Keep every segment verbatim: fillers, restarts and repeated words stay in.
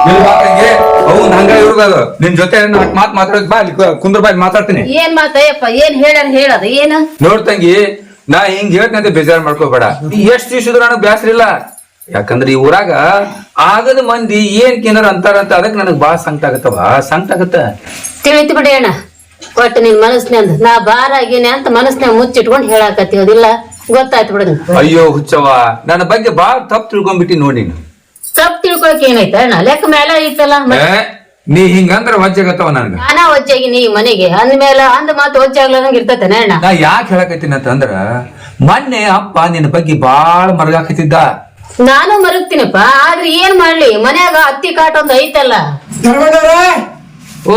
ಅವ್ನು ಹಂಗ ಇವ್ರದ ನಿನ್ ಜೊತೆ ಮಾತ್ ಮಾತಾಡಕ್ ಬಾ ಅಲ್ಲಿ ಕುಂದ್ರ ಬಾಯಿ ಮಾತಾಡ್ತೀನಿ. ಏನ್ ಮಾತಯ್ಯಪ್ಪ ಏನ್ ಹೇಳ್ಯಾರ ಹೇಳದ ಏನ ನೋಡ್ತಂಗಿ ನಾ ಹಿಂಗ್ ಹೇಳ್ತಂತ ಬೇಜಾರ್ ಮಾಡ್ಕೋಬೇಡ. ಎಷ್ಟ್ ದಿವ್ಸದ್ರು ನನಗ್ ಬ್ಯಾಸ್ರ ಇಲ್ಲ. ಯಾಕಂದ್ರೆ ಈ ಊರಾಗ ಆಗದ ಮಂದಿ ಏನ್ ಕೇನಾರ ಅಂತಾರಂತ ಅದಕ್ ನನಗ್ ಬಾಳ ಸಂಕಟ ಆಗತ್ತವ ಸಂಕಟ ಆಗತ್ತ. ತಿಳಿತು ಬಿಡಿ ಅಣ್ಣ ಒಟ್ಟು ನಿನ್ ಮನಸ್ನ್ಯಾಂದ ನಾ ಬಾರ ಆಗೇನೆ ಅಂತ ಮನಸ್ನ್ಯಾಗ ಮುಚ್ಚಿಟ್ಕೊಂಡ್ ಹೇಳಾಕತ್ತೀವದಿಲ್ಲ ಗೊತ್ತಾಯ್ತು ಬಿಡ. ಅಯ್ಯೋ ಹುಚ್ಚವ ನನ್ನ ಬಗ್ಗೆ ಬಾಳ ತಪ್ಪು ತಿಳ್ಕೊಂಡ್ಬಿಟ್ಟಿ ನೋಡಿ. ತಪ್ಪು ತಿಳ್ಕೊಳಕ್ ಏನೈತ ಅಣ್ಣ ಲೆಕ್ಕ ಮೇಲೆ ಐತಲ್ಲ. ನೀ ಹಿಂಗಂದ್ರ ವಜ್ಜಾಗತ್ತವ ನನ್ಗ. ನಾನಾ ವಜ್ಜಾಗಿನಿ ಈ ಮನೆಗೆ ಅಂದ್ಮೇಲೆ ಅಂದ್ ಮಾತು ವಜ್ಜಾಗ್ಲಂಗ ಇರ್ತತೇನೆ ಅಣ್ಣ. ನಾ ಯಾಕೆ ಹೇಳಕತ್ತೀನಿ ಅಂತಂದ್ರ ಮೊನ್ನೆ ಅಪ್ಪ ನಿನ್ನ ಬಗ್ಗೆ ಬಾಳ ಮರಗಾಕತ್ತಿದ್ದ. ನಾನು ಮರಗ್ತೀನಪ್ಪ ಆದ್ರೆ ಏನ್ ಮಾಡ್ಲಿ ಮನ್ಯಾಗ ಹತ್ತಿ ಕಾಟ ಒಂದ್ ಐತಲ್ಲ. ಓ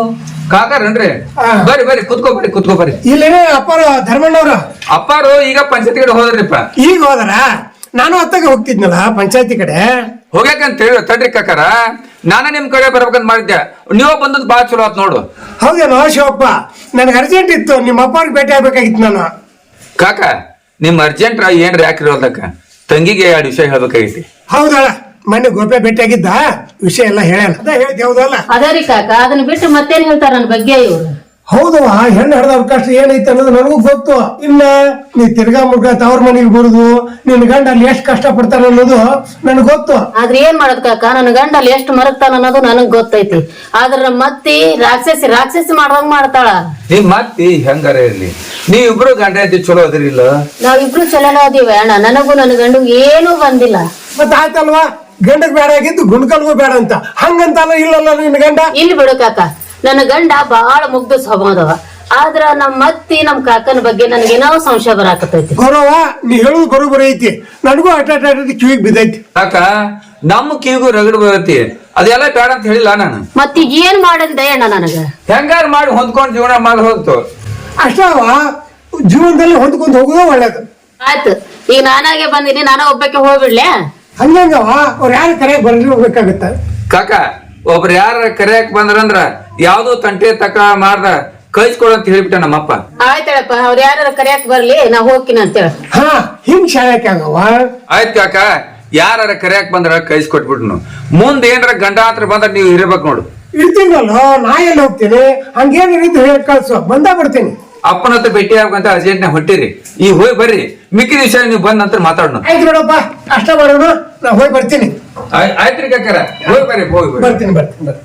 ಕಾಕಾರನ್ರಿ ಬರ್ರಿ ಬರ್ರಿ ಕುತ್ಕೋ ಬರ್ರಿ ಕುತ್ಕೋ ಬರ್ರಿ. ಇಲ್ಲೇನೆ ಅಪ್ಪಾರ ಧರ್ಮಣ್ಣವ್ರ ಅಪ್ಪಾರು ಈಗ ಪಂಚಾಯತಿ ಕಡೆ ಹೋದ್ರಿಪ್ಪ. ಈಗ ಹೋದರ ನಾನು ಅತ್ತಾಗ ಹೋಗ್ತಿದ್ನಲ್ಲ ಪಂಚಾಯತಿ ಕಡೆ ಹೋಗ್ಯಾಕಂತ ಹೇಳಿ ತಡ್ರಿ ಕಾಕಾರ ನಾನ ನಿಮ್ ಕಡೆ ಬರ್ಬೇಕಂತ ಮಾಡಿದ್ದೆ. ನೀವು ಬಂದದ್ ಬಾಳ ಚಲೋ ಆತ್ ನೋಡು. ಹೌದೇನೋ ಶಿವಪ್ಪ ನನ್ಗೆ ಅರ್ಜೆಂಟ್ ಇತ್ತು ನಿಮ್ಮ ಅಪ್ಪವ್ರಿಗೆ ಭೇಟಿ ಆಗ್ಬೇಕಾಗಿತ್ತು ನಾನು. ಕಾಕ ನಿಮ್ ಅರ್ಜೆಂಟ್ ಏನ್ರಿ ಯಾಕಿರೋದಕ್ಕ ತಂಗಿಗೆ ಎರಡು ವಿಷಯ ಹೇಳ್ಬೇಕಾಗೈತಿ. ಹೌದಳ ಮೊನ್ನೆ ಗೋಪೆ ಭೇಟಿ ಆಗಿದ್ದ ವಿಷಯ ಎಲ್ಲ ಹೇಳಲ್ಲ ಅದ ಹೇಳ್ತಿ ಹೌದಲ್ಲ. ಅದರಿ ಕಾಕ ಅದನ್ನ ಬಿಟ್ಟು ಮತ್ತೇನ್ ಹೇಳ್ತಾರ ನನ್ ಬಗ್ಗೆ ಇವ್ರು. ಹೌದವ ಹೆಣ್ಣು ಹಡ್ದವ್ರ ಕಷ್ಟ ಏನೈತೆ ಅನ್ನೋದು ನನಗೂ ಗೊತ್ತು. ಇನ್ನ ನೀ ತಿರ್ಗಾ ಮುರ್ಗಾ ತವ್ರ ಮನೆಗೆ ಬರುದು ನಿನ್ ಗಂಡ ಅಲ್ಲಿ ಎಷ್ಟ್ ಕಷ್ಟ ಪಡ್ತಾನ ಅನ್ನೋದು ನನಗ್ ಗೊತ್ತು. ಆದ್ರೆ ಏನ್ ಮಾಡೋದ್ ಕಾಕ ನನ್ ಗಂಡ ಅಲ್ಲಿ ಎಷ್ಟು ಮರಗ್ತಾನ ಅನ್ನೋದು ನನಗ್ ಗೊತ್ತೈತಿ. ಆದ್ರ ಮತ್ತಿ ರಾಕ್ಷಸಿ ರಾಕ್ಷಸಿ ಮಾಡ್ದಂಗ್ ಮಾಡ್ತಾಳ. ನಿಮ್ ಮತ್ತಿ ಹೆಂಗಾರ ಇರ್ಲಿ ನೀವಿಬ್ರು ಗಂಡ ಐತಿ ಚಲೋ ಅದ್ರಿಲ್ಲ. ನಾವಿಬ್ರು ಚಲೋ ಅದೀವಿ ಅಣ್ಣ ನನಗೂ ನನ್ ಗಂಡು ಏನೂ ಬಂದಿಲ್ಲ. ಮತ್ತ ಆಯ್ತಲ್ವಾ ಗಂಡಗ್ ಬೇಡ ಆಗಿದ್ದು ಗುಂಡ್ಕಲ್ಗೂ ಬೇಡ ಅಂತ ಹಂಗಂತಲ್ಲ ಇಲ್ಲಲ್ಲ ನಿನ್ ಗಂಡ. ಇಲ್ಲಿ ಬಿಡು ಕಾಕ ನನ್ನ ಗಂಡ ಬಹಳ ಮುಗ್ಧ ಸ್ವಭಾವದವ. ಆದ್ರ ನಮ್ ಮತ್ತಿ ನಮ್ ಕಾಕನ ಬಗ್ಗೆ ನನ್ಗೇನೋ ಸಂಶಯ ಬರಾಕತೈತಿ. ಗೌರವ ನೀ ಹೇಳುದು ಬರೋಬರಿ ಐತಿ ನನಗೂ ಅಟ ಕಿವಿಗ್ ಬಿದ್ದೈತಿ. ಕಾಕ ನಮ್ಮ ಕಿವಿಗೂ ರಗಡ್ ಬರತಿ ಅದೆಲ್ಲ ಬೇಡ ಅಂತ ಹೇಳಿಲ್ಲ ನಾನು. ಮತ್ತೀಗ ಏನ್ ಮಾಡಂದೆ ಅಣ್ಣ ನನಗ ಹೆಂಗಾರ ಮಾಡಿ ಹೊಂದ್ಕೊಂಡ್ ಜೀವನ ಮಾಡಿ ಹೋಗ್ತು ಅಷ್ಟವ ಜೀವನದಲ್ಲಿ ಹೊಂದ್ಕೊಂಡ್ ಹೋಗುದ ಒಳ್ಳೇದು. ಆಯ್ತು ಈಗ ನಾನಾಗೆ ಬಂದಿನಿ ನಾನ ಒಬ್ಬಕ್ಕೆ ಹೋಗ್ಬಿಡ್ಲೆ. ಹಂಗಂಗವ ಅವ್ರ ಯಾರ ಕರೆ ಬರ್ರಿ ಹೋಗ್ಬೇಕಾಗತ್ತ. ಕಾಕ ಒಬ್ರು ಯಾರ ಕರೆಯಕ್ ಬಂದ್ರಂದ್ರ ಯಾವ್ದೋ ತಂಟೆ ತಕ ಮಾಡ್ದ ಕಳ್ಸ್ಕೊಡಂತ ಹೇಳ್ಬಿಟ್ಟ ನಮ್ಮಪ್ಪ. ಆಯ್ತಳಪ್ಪ ಅವ್ರ ಯಾರ ಕರೆಯಕ್ ಬರ್ಲಿ ನಾ ಹೋಗ್ತೀನಿ ಅಂತೇಳ. ಹಾ ಹಿಂಗ್ ಶಾಯಕ್ ಆಗವ. ಆಯ್ತ್ ಕಾಕ ಯಾರ ಕರೆಯಕ್ ಬಂದ್ರ ಕಳ್ಸಿಕೊಟ್ಬಿಟ್ನು. ಮುಂದ್ ಏನ್ರ ಗಂಡಾಂತರ ಬಂದ್ರ ನೀವ್ ಇರ್ಬೇಕು ನೋಡು. ಇರ್ತೀನಲ್ಲ ನಾ ಎಲ್ಲಿ ಹೋಗ್ತೀನಿ ಹಂಗೇನ್ ರೀತಿ ಹೇಳಿ ಕಳ್ಸು ಬಂದ ಬಿಡ್ತೀನಿ. ಅಪ್ಪನ ಹತ್ರ ಭೇಟಿ ಆಗ್ಬೇಕಂತ ಅರ್ಜೆಂಟ್ ನಾಗ ಹೊಟ್ಟಿರಿ ಈಗ ಹೋಗಿ ಬರ್ರಿ ಮಿಕ್ಕಿದ ವಿಷಯ ನೀವು ಬಂದ ನಂತರ ಮಾತಾಡೋಣ. ಆಯ್ತು ನೋಡಪ್ಪ ಅಷ್ಟ ಮಾಡೋಣ ನಾ ಹೋಗಿ ಬರ್ತೀನಿ. ಆಯ್ತ್ರಿ ಕಾಕರ ಹೋಗಿ ಬರ್ರಿ ಹೋಗಿ ಬರ್ತೀನಿ ಬರ್ತೀನಿ ಬರ್ತೀನಿ.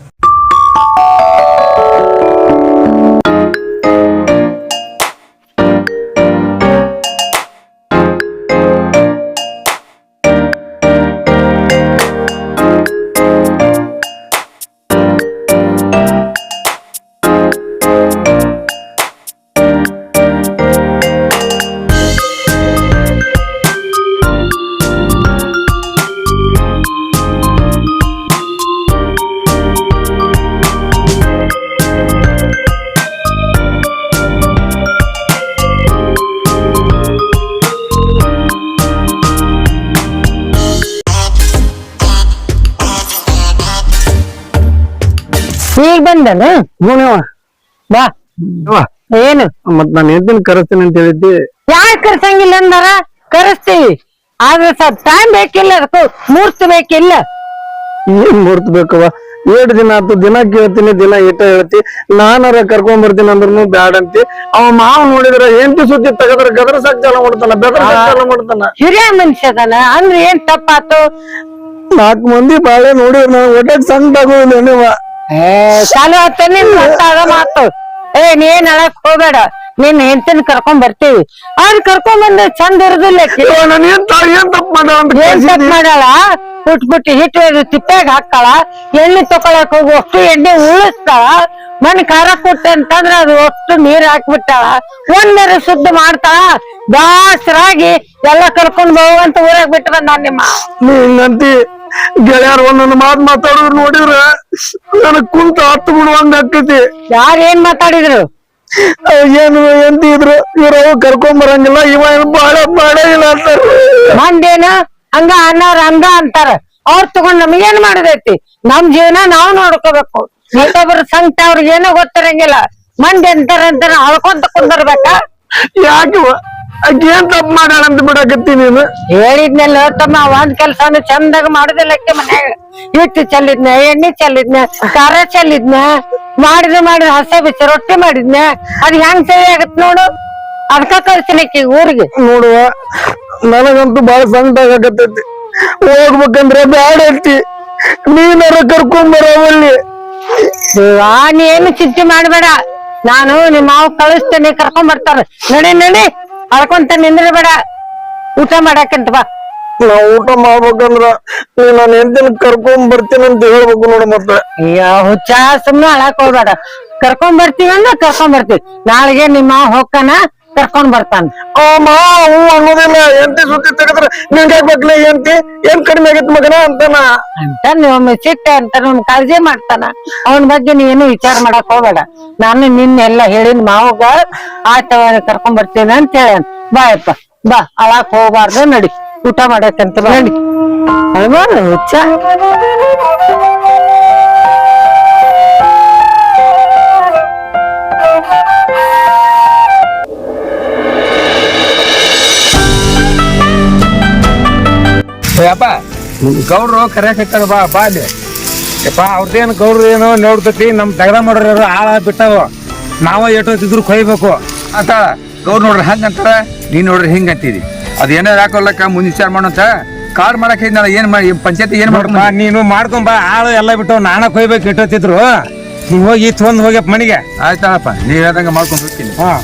ಈಗ ಬಂದನ ಬಾ ಏನು ಮತ್ ನಾನು ಹೆಂಡತಿನ ಕರೆಸ್ತೀನಿ ಅಂತ ಹೇಳಿದ್ದೆ. ಯಾಕೆ ಕರ್ಸಂಗಿಲ್ಲ ಅಂದಾರ ಕರೆಸ್ತೀವಿ ಆದ್ರೆ ಸ್ವಲ್ಪ ಟೈಮ್ ಬೇಕಿಲ್ಲ ಅದಕ್ಕೂ ಮೂರ್ತಿ ಬೇಕಿಲ್ಲ. ಏನ್ ಮೂರ್ತ ಬೇಕವ ಏಳು ದಿನ ಆತು ದಿನ ಕೇಳ್ತೀನಿ ದಿನ ಏಟ ಹೇಳ್ತಿ ನಾನಾರ ಕರ್ಕೊಂಡ್ ಬರ್ತೀನಿ ಅಂದ್ರೂ ಬ್ಯಾಡ ಅಂತಿ. ಅವ ಮಾವ್ ನೋಡಿದ್ರ ಹೆಂಡತಿ ಸುದ್ದಿ ತಗದ್ರ ಗದ್ರ ಸಾಕ್ ಚಾಲ ಮಾಡ್ತಾನ ಬೆದ್ರ ಚಾಲ ಮಾಡ್ತಾನ. ಹಿರಿಯ ಮನುಷ್ಯ ಅದಾನ ಅಂದ್ರೆ ಏನ್ ತಪ್ಪಾತು. ನಾಲ್ಕು ಮಂದಿ ಬಾಳೆ ನೋಡಿದ್ರ ನಾವು ಒಟ್ಟಾಗ ಸಣ್ಣ ಆಗೋದಿಲ್ಲ ನೀವ ಚಾಲು ಆತೇನೆ ಮಾತು. ಏ ನೀನ್ ಹೇಳಕ್ ಹೋಗ್ಬೇಡ ನಿನ್ ಹೆಂಡತಿನ ಕರ್ಕೊಂಡ್ ಬರ್ತೀವಿ ಅವ್ರ ಕರ್ಕೊಂಡ್ ಬಂದ ಚಂದ ಇರುದಿಲ್ಲ. ಏನ್ ತಪ್ಪ ಮಾಡ ಏನ್ ತಪ್ಪ ಮಾಡಾಳ ಪುಟ್ ಪುಟ್ಟಿ ಹಿಟ್ಟು ತಿಪ್ಪಾಗ ಹಾಕ್ತಾಳ ಎಣ್ಣೆ ತಕೊಳಕ್ ಹೋಗಿ ಅಷ್ಟು ಎಣ್ಣೆ ಉಳಿಸ್ತಾಳ ಮಣ್ ಖಾರ ಕೊಟ್ಟೆ ಅಂತಂದ್ರ ಅದು ಅಷ್ಟು ನೀರ್ ಹಾಕ್ಬಿಟ್ಟಾಳ ಒಂದರ ಶುದ್ಧ ಮಾಡ್ತಾಳ ಬ್ಯಾಸರಾಗಿ ಎಲ್ಲಾ ಕರ್ಕೊಂಡ್ ಹೋಗಂತ ಊರಾಗ ಬಿಟ್ಟು ಬಂದ ನಿಮ್ಮ ಹಿಂಗಂತಿ. ಗೆಳೆಯರ್ ಒಂದೊಂದು ಮಾತ್ ಮಾತಾಡಿದ್ರು ನೋಡಿದ್ರ ನನಗ್ ಕುಂತ ಹತ್ತು ಬಿಡುವಂಗ ಆಕೈತಿ. ಯಾರ ಏನ್ ಮಾತಾಡಿದ್ರು ಏನು ಎಂತಿದ್ರು ಇವ್ರ ಕರ್ಕೊಂಡ್ ಬರಂಗಿಲ್ಲ ಇವ ಬಾಳ ಬಾಳ ಇಲ್ಲ ಅಂತಾರ. ಮಂದೇನ ಹಂಗ ಅನ್ನವ್ರ ಹಂಗ ಅಂತಾರ ಅವ್ರ ತಗೊಂಡ್ ನಮಗೇನ್ ಮಾಡಿದೈತಿ. ನಮ್ ಜೀವನ ನಾವ್ ನೋಡ್ಕೋಬೇಕು. ಮತ್ತೊಬ್ಬರ ಸಂಕಟ ಅವ್ರಿಗೆ ಏನೋ ಗೊತ್ತಿರಂಗಿಲ್ಲ ಮಂದಿ ಅಂತಾರ ಅಂತಾರ ಹಳ್ಕೊಂತ ಕುಂದಿರ್ಬೇಕ. ಯಾಕೆ ಏನ್ ತಪ್ಪು ಮಾಡ್ಯಾಳ ಅಂತ ಬಿಡಕತ್ತಿ ನೀನು. ಹೇಳಿದ್ನೆಲ್ಲ ತಮ್ಮ ಒಂದ್ ಕೆಲ್ಸನ ಚಂದಾಗ ಮಾಡುದಿಲ್ಲಕ್ಕೆ ಮನ್ಯಾಗ ಹಿಟ್ಟು ಚೆಲ್ಲಿದ್ನ ಎಣ್ಣೆ ಚೆಲ್ಲಿದ್ನ ಖಾರ ಚೆಲ್ಲಿದ್ನ ಮಾಡಿದ್ರೆ ಮಾಡಿದ್ರೆ ಹಸೆ ಬಿಚ್ಚ ರೊಟ್ಟಿ ಮಾಡಿದ್ನ ಅದ್ ಹೆಂಗ್ ಸರಿ ಆಗತ್ ನೋಡು ಅದ್ಕ ಕಳ್ಸಿನ ಊರಿಗೆ ನೋಡುವ ನನಗಂತೂ ಬಾಳ ಸಂಕಟ ಆಗತೈತಿ ಹೋಗ್ಬೇಕಂದ್ರೆ ಬ್ಯಾಡ ಐತಿ ನೀನಾರ ಕರ್ಕೊಂಡ್ ಬರವಲ್ಲಿ ಆ ನೀ ಏನು ಚಿಂತೆ ಮಾಡ್ಬೇಡ ನಾನು ನಿಮ್ಮ ಮಾವು ಕಳಿಸ್ತೇನೆ ಕರ್ಕೊಂಡ್ ಬರ್ತಾರ ನಡಿ ನಡಿ ಅಳ್ಕೊಂತ ನಿಂದ್ರಬೇಡ ಊಟ ಮಾಡಾಕಂತ ಬಾ ನಾ ಊಟ ಮಾಡ್ಬೇಕಂದ್ರ ನೀ ನಾನು ಎಂದಿನ ಕರ್ಕೊಂಡ್ ಬರ್ತೀನಿ ಅಂತ ಹೇಳ್ಬೇಕು ನೋಡು ಮತ್ತೆ ಅಯ್ಯೋ ಹುಚ್ಚ ಸುಮ್ನೆ ಅಳಕ್ ಹೋಗ್ಬೇಡ ಕರ್ಕೊಂಡ್ ಬರ್ತೀವಿ ಅಂದ್ರ ಕರ್ಕೊಂಡ್ ಬರ್ತೀವಿ ನಾಳೆಗೆ ನಿಮ್ಮ ಮಾವ ಹೋಗ್ತಾನ ಕರ್ಕೊಂಡ್ ಬರ್ತಾನ ಆ ಮಾವು ಅನ್ನೋದಿಲ್ಲ ಎಂತಿ ಸುದ್ದಿ ತೆಗೆದ್ರ ನಿನ್ಗೆ ಬೇಕಲ್ಲ ಎಂತಿ ಏನ್ ಕಡಿಮೆ ಆಗೈತಿ ಮಗನ ಅಂತಾನ ಅಂತ ನೀವು ಸಿಟ್ಟ ಅಂತ ನಮ್ ಕಾಳಜಿ ಮಾಡ್ತಾನ ಅವನ ಬಗ್ಗೆ ನೀನು ವಿಚಾರ ಮಾಡಕ್ ಹೋಗ್ಬೇಡ ನಾನು ನಿನ್ನೆಲ್ಲ ಹೇಳಿನ ಮಾವಗ ಆಟ ಕರ್ಕೊಂಡ್ ಬರ್ತೀನಿ ಅಂತ ಹೇಳ ಬಾಯಪ್ಪ ಬಾ ಅಳಾಕ್ ಹೋಗ್ಬಾರ್ದು ನಡಿ ಊಟ ಮಾಡಕ್ಕಂತ ಬಾ ನಡಿ ಅಳ್ಬಾರ ಹುಚ್ಚ ಯಪ್ಪ ಗೌಡ್ರು ಕರ್ಯಾಕತ್ತಾರ ಬಾ ಬಾ ಅಲ್ಲಿ ಯಪ್ಪ ಅವ್ರದೇನ್ ಗೌಡ್ರು ಏನೋ ನೋಡ್ತೈತಿ ನಮ್ ದಗದ ಮಾಡೋರು ಆಳ ಬಿಟ್ಟಾವ ನಾವ ಎಷ್ಟೊತ್ತಿದ್ರು ಕೊಯ್ಬೇಕು ಅಂತ ಗೌಡ್ ನೋಡ್ರಿ ಹಂಗ ಅಂತಾರ ನೀನ್ ನೋಡ್ರಿ ಹಿಂಗ ಅಂತಿದಿ ಅದ್ ಏನಾರ ಹಾಕೊಲ್ಲಕ್ಕ ಮುಂದ್ ವಿಚಾರ ಮಾಡೋಂತ ಕಾಡ್ ಮಾಡಕ್ ಹೇಳಿದ್ನಲ್ಲ ಏನ್ ಮಾಡಿ ಪಂಚಾಯತಿ ಏನ್ ನೋಡ್ಪ ಮಾಡ್ಕೊಂಡ್ ನೀನು ಮಾಡ್ಕೊಂಬ ಆಳು ಎಲ್ಲ ಬಿಟ್ಟು ನಾನ ಕೊಯ್ಬೇಕು ಎಷ್ಟೊತ್ತಿದ್ರು ನೀವ್ ಹೋಗಿ ಇತ್ತು ಹೋಗ್ಯಪ್ಪ ಮನಿಗೆ ಆಯ್ತಾಳಪ್ಪ ನೀವ್ ಹೇಳ್ದಂಗ ಮಾಡ್ಕೊಂಡ್ ಹೋಗ್ತೀನಿ ಹಾ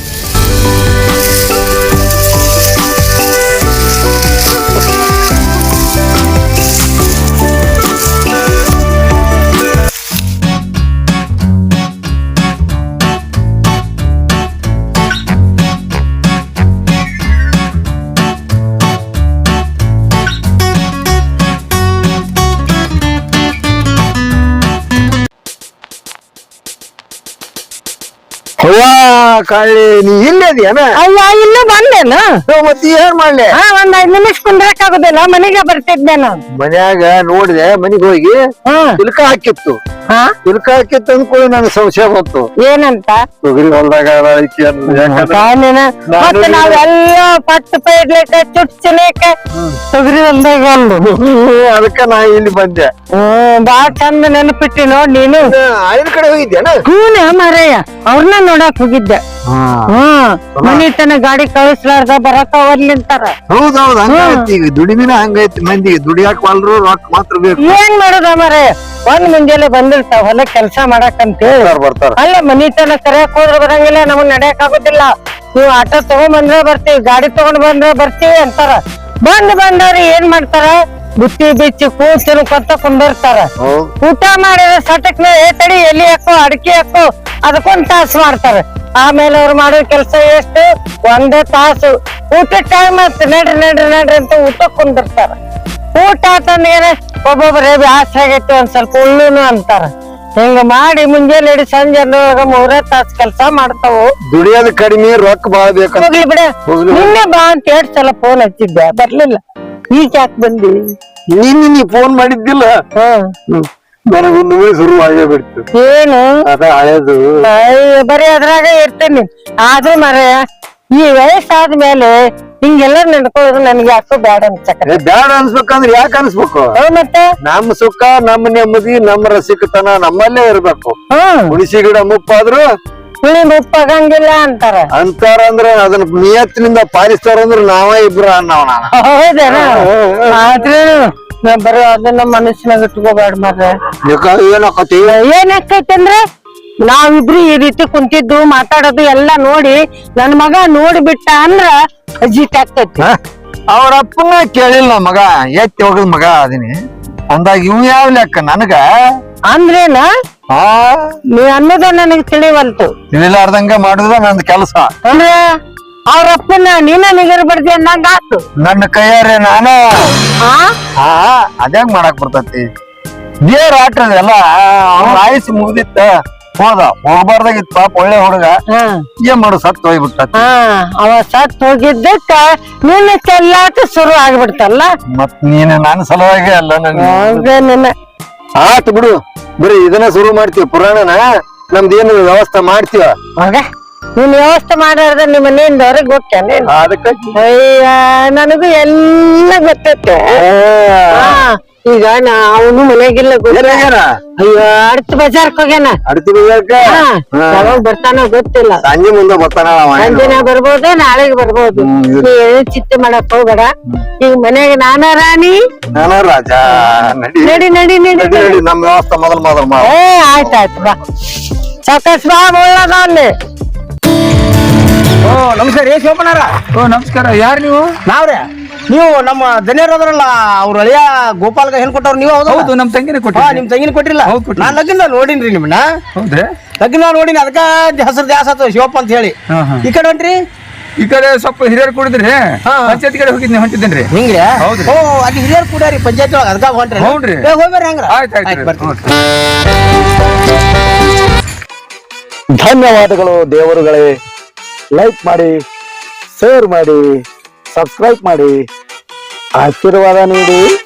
ಅವ್ವ ಕಾಳಿ ನೀ ಇಲ್ಲದಿಯನ ಅಯ್ಯ ಇನ್ನು ಬಂದೇನು ಮತ್ತೆ ಏನ್ ಮಾಡ್ಲಿ ಹಾ ಒಂದ್ ಐದ್ ನಿಮಿಷ ಕುಂದ್ರಕ್ ಆಗುದಿಲ್ಲ ಮನೆಗೆ ಬರ್ತಿದ್ದೆ ನಾನು ಮನ್ಯಾಗ ನೋಡಿದೆ ಮನಿಗ್ ಹೋಗಿ ಹ್ಮ್ ತಿಲ್ಕ ಹಾಕಿತ್ತು ಹಾ ತಿಲ್ಕ ಹಾಕಿತ್ತು ಅಂದ್ಕೊಳ್ಳಿ ನನಗೆ ಸಂಶಯ ಬಂತು ಏನಂತ ತೊಗರಿ ಹೊಲ್ದಾಗ ಐತಿ ಅನ್ನೋದು. ಯಾಕಂದ್ರೆ ಕಾನಿನ ಮತ್ತೆ ನಾವೆಲ್ಲ ಪಟ್ಟು ಪೈಡ್ಲಿಕ್ಕ ಚುಟ್ಚಲಿಕ್ಕ ತೊಗರಿ ಹೊಲ್ದಾಗ ಅಲ್ಲು ಅದಕ್ಕ ನಾ ಇಲ್ಲಿ ಬಂದೆ ಹ್ಮ್ ಬಾಳ ಚಂದ ನೆನಪಿಟ್ಟಿ ನೋಡ್ ನೀನು ಐದ್ ಕಡೆ ಹೋಗಿದ್ದೇನ ಹೂನ ಮಾರಯ್ಯ ಅವ್ರನ್ನ ನೋಡಕ್ ಹೋಗಿದ್ದೆ ಹ್ಮ್ ಮನಿ ತನ ಗಾಡಿ ಕಳಿಸ್ಲಾರ್ದ ಬರಕ ಒರ್ಲಿಂತಾರ ಹೌದೌದು ಹಂಗೈತಿ ಈಗ ದುಡಿಮಿನ ಹಂಗೈತಿ ಮಂದಿಗೆ ದುಡಿಯಾಕ ವಾಲ್ರು ರೊಕ್ಕ ಮಾತ್ರ ಬೇಕು ಏನ್ ಮಾಡುದ ಮಾರಯ್ಯ ಒಂದ್ ಮುಂಜಾನೆ ಬಂದಿರ್ತಾವ ಹೊಲ ಕೆಲ್ಸ ಮಾಡಕ್ ಅಂತ ಹೇಳಿ ಬರ್ತಾರ ಬರ್ತಾರ ಅಲ್ಲ ಮನಿ ತನ ಕರೆಯಕ್ ಹೋದ್ರ ಬರಂಗಿಲ್ಲ ನಮಗ್ ನಡೆಯಕ್ ಆಗುದಿಲ್ಲ ನೀವು ಆಟೋ ತಗೊಂಡ್ ಬಂದ್ರೆ ಬರ್ತೀವಿ ಗಾಡಿ ತಗೊಂಡ್ ಬಂದ್ರೆ ಬರ್ತೀವಿ ಅಂತಾರ ಬಂದ್ ಬಂದವ್ರಿ ಏನ್ ಮಾಡ್ತಾರ ಬುತ್ತಿ ಬಿಚ್ಚಿ ಕೂತಿನ ಕೊತ್ತ ಕುಂದಿರ್ತಾರ ಹೌದ್ ಊಟ ಮಾಡಿದ್ರೆ ಸಟಕ್ ಏ ತಡಿ ಎಲ್ಲಿ ಹಾಕೋ ಅಡಿಕೆ ಹಾಕೋ ಅದಕ್ಕೊಂದ್ ತಾಸು ಮಾಡ್ತಾರ ಆಮೇಲೆ ಅವ್ರು ಮಾಡೋ ಕೆಲ್ಸ ಎಷ್ಟು ಒಂದೇ ತಾಸು ಊಟ ಟೈಮ್ ಆಯ್ತು ನಡ್ರಿ ನಡ್ರಿ ನಡ್ರಿ ಅಂತ ಊಟ ಕುಂದಿರ್ತಾರ ಊಟ ಆತಂದ್ರ ಒಬ್ಬೊಬ್ಬರೇ ಬ್ಯಾಸ ಆಗೈತಿ ಒಂದ್ ಸ್ವಲ್ಪ ಉಳ್ಳುನು ಅಂತಾರ ಹಿಂಗ ಮಾಡಿ ಮುಂಜಾನೆ ಹಿಡಿ ಸಂಜೆ ಮೂರೇ ತಾಸ್ ಕೆಲ್ಸ ಮಾಡ್ತಾವು ದುಡಿಯೋದ್ ಕಡಿಮೆ ರೊಕ್ಕ ಬಾಳ ಬೇಕಂತ ಹೋಗ್ಲಿ ಬಿಡ ಹೋಗ್ಲಿ. ನಿನ್ನೆ ಬಾ ಅಂತ ಎರಡ್ ಸಲ ಫೋನ್ ಹಚ್ಚಿದ್ದೆ ಬರ್ಲಿಲ್ಲ ಈಗ ಯಾಕೆ ಬಂದಿ ನಿನ್ನೆ ನೀ ಫೋನ್ ಮಾಡಿದ್ದಿಲ್ಲ ಹ್ಮ್ ನನಗೊಂದು ಶುರು ಆಗೇ ಬಿಡ್ತು ಏನು ಅದ ಹಳೇದು ಅಯ್ಯೋ, ಬರೀ ಅದ್ರಾಗ ಇರ್ತೇನಿ ಆದ್ರೂ ಮರೆಯ ಈ ವಯಸ್ಸಾದ್ಮೇಲೆ ಹಿಂಗೆಲ್ಲ ನಡ್ಕೊಳ್ಳೋದು ನನ್ಗೆ ಯಾಕೋ ಬ್ಯಾಡ ಅನ್ಸಕ ಏ, ಬ್ಯಾಡ ಅನ್ಸ್ಬೇಕಂದ್ರ ಯಾಕೆ ಅನ್ಸ್ಬೇಕು ಮತ್ತೆ ನಮ್ಮ ಸುಖ ನಮ್ಮ ನೆಮ್ಮದಿ ನಮ್ಮ ರಸಿಕತನ ನಮ್ಮಲ್ಲೇ ಇರ್ಬೇಕು ಹ್ಮ್ ಹುಣಸಿ ಗಿಡ ಮುಪ್ಪಾದ್ರು ಹುಳಿ ಮುಪ್ಪಾಗಂಗಿಲ್ಲ ಅಂತಾರ ಅಂತಾರ ಅಂದ್ರ ಅದನ್ನ ನಿಯತ್ತಿನಿಂದ ಪಾಲಿಸ್ತಾರ ಅಂದ್ರ ನಾವ ಇಬ್ರ ಅನ್ನವ ನಾನು ಹೌದೇನ ಆದ್ರೂ ನಾ ಬರೀ ಅದನ್ನ ಮನಸ್ಸಿನಾಗ ಇಟ್ಕೋಬೇಡ ಮರ್ರೆ ಏನಾಕತಿ ಏನಾಕೈತಿ ಅಂದ್ರೆ ನಾವಿಬ್ರು ಈ ರೀತಿ ಕುಂತಿದ್ದು ಮಾತಾಡೋದು ಎಲ್ಲಾ ನೋಡಿ ನನ್ ಮಗ ನೋಡ್ಬಿಟ್ಟ ಅಂದ್ರ ಅಜಿತ್ ಆಗ್ತೈತಿ ಅವ್ರ ಅಪ್ಪನ ಕೇಳಿಲ್ಲ ನಮ್ ಮಗ ಎತ್ತಿ ಹೋಗದ್ ಮಗ ಅದೀನಿ ಅಂದಾಗ ಇವ್ ಯಾವ ಲೆಕ್ಕ ನನಗ ಅಂದ್ರೇನ ಆ ನೀ ಅನ್ನೋದ ನನಗ್ ತಿಳಿವಲ್ತು ತಿಳಿಲಾರ್ದಂಗ ಮಾಡುದ ನಂದ್ ಕೆಲಸ ಅಂದ್ರೆ ಅವ್ರಪ್ಪನ ನೀನ ನಿಗರ್ ಬಡ್ದಿ ಅನ್ನಂಗ ಆತು ನನ್ನ ಕೈಯಾರೆ ನಾನ ಆ ಹಾ ಅದ್ಯಾಂಗ ಮಾಡಕ್ ಬರ್ತೈತಿ ದೇವ್ರ ಆಟ್ರದೆಲ್ಲ ಅವ್ನ ಆಯುಸ್ ಮುಗ್ದಿತ್ತ ಹೋದ ಹೋಗ್ಬಾರ್ದಾಗಿತ್ತು ಪಾಪ ಒಳ್ಳೆ ಹುಡುಗ ಹ್ಮ್ ಏನ್ ಮಾಡು ಸತ್ ಹೋಗ್ಬಿಟ್ಟ ಹಾ ಅವ ಸತ್ ಹೋಗಿದ್ದಕ್ಕ ನಿನ್ನ ಚೆಲ್ಲಾಟ ಶುರು ಆಗ್ಬಿಡ್ತಲ್ಲ ಮತ್ ನೀನ್ ನನ್ನ ಸಲುವಾಗಿ ಅಲ್ಲ ನನ್ ಹೌದ ನಿನ್ನ ಆತ್ ಬಿಡು ಬರೀ ಇದನ್ನ ಶುರು ಮಾಡ್ತೀವಿ ಪುರಾಣನ ನಮ್ದೇನು ವ್ಯವಸ್ಥೆ ಮಾಡ್ತೀವ ಮಗ ನೀನ್ ವ್ಯವಸ್ಥೆ ಮಾಡ್ಯಾರ್ದ ನಿಮ್ಮ ಮನೆಯಿಂದ ಹೊರಗೆ ಹೋಗ್ತೇನೆ ಅದಕ್ಕೆ ಅಯ್ಯ ನನಗೂ ಎಲ್ಲ ಗೊತ್ತೈತೆ ಹಾ ಈಗ ನಾ ಅವನು ಮನೆಗಿಲ್ಲ ಗೊತ್ತ ಅಯ್ಯೋ ಅಡ್ತ ಬಜಾರ್ಕ್ ಹೋಗ್ಯಾನ ಅಡ್ತಿ ಬೀಳಕ ಹಾ, ಯಾವಾಗ ಬರ್ತಾನೋ ಗೊತ್ತಿಲ್ಲ ಸಂಜೆ ಮುಂದೆ ಬರ್ತಾನ ಅವ. ಸಂಜೆನ ಬರ್ಬೋದು ನಾಳೆಗ್ ಬರ್ಬೋದು ನೀ ಏನು ಚಿಂತೆ ಮಾಡಕ್ ಹೋಗ್ಬೇಡ ಈಗ ಮನೆಗೆ ನಾನ ರಾಣಿ ನಾನು ರಾಜ ನಡಿ ನಡಿ ನಡಿ ನಡಿ ನಡಿ ನಡಿ ನಮ್ ವ್ಯವಸ್ಥೆ ಮೊದಲ್ ಮೊದಲ್ ಮಾಡ. ಏ ಆಯ್ತಾಯ್ತು ಬಾ ಸಾಕಸ್ ಬಾ ಒಳ್ಳದ ಅಲ್ಲಿ ಓ ನಮಸ್ಕಾರ ಏ ಶಿವಪ್ಪನಾರ. ಓ ನಮಸ್ಕಾರ, ಯಾರು ನೀವು? ನಾವ್ರೆ ನೀವು ನಮ್ಮ ದನಿಯರ್ ಅದ್ರಲ್ಲ ಅವ್ರ ಅಳಿಯ ಗೋಪಾಲ್ಗ ಹೆಣ್ ಕೊಟ್ಟವ್ರು ನೀವು ಹೌದು? ಹೌದು, ನಮ್ ತಂಗಿನ ಹಾ ಕೊಟ್ಟಿ. ನಿಮ್ ತಂಗಿನ ಕೊಟ್ಟಿಲ್ಲ. ಹೌದ್ ಕೊಟ್ಟಿಲ್ಲ. ನಾನ್ ಲಗ್ನ ನೋಡಿನ್ರಿ ನಿಮ್ಮನ್ನ, ಹೌದ್ರಿ? ಲಗ್ನ ನೋಡಿನಿ, ಅದಕ್ಕ ಹೆಸರು ದ್ಯಾಸ ಆತು ಶಿವಪ್ಪ ಅಂತ ಹೇಳಿ. ಹಾ, ಹಾ. ಈ ಕಡೆ ಹೊಂಟ್ರಿ ಈ ಕಡೆ ಸ್ವಲ್ಪ ಹಿರಿಯರು ಕುಡಿದ್ರಿ, ಹಾ. ಪಂಚಾಯತ್ ಕಡೆ ಹೋಗಿದ್ನಿ ಹೊಂಟಿದ್ದೇನ್ರಿ. ಹಿಂಗ್ರಿ? ಹೌದ್ರಿ. ಓ ಅಲ್ಲಿ ಹಿರಿಯರ್ ಕೂಡ್ಯಾರಿ ಪಂಚಾಯತ್ ಒಳಗ, ಅದಕ್ಕ ಹೊಂಟ್ರಿ? ಹೌದ್ರಿ. ಏ ಹೋಗ್ಬೇರಿ ಹಂಗ್ರ. ಆಯ್ತು ಆಯ್ತ್ ಆಯ್ತು ಬರ್ತೀನಿ. ಧನ್ಯವಾದಗಳು ದೇವರುಗಳೇ. ಲೈಕ್ ಮಾಡಿ, ಶೇರ್ ಮಾಡಿ, ಸಬ್ಸ್ಕ್ರೈಬ್ ಮಾಡಿ, ಆಶೀರ್ವಾದ ನೀಡಿ.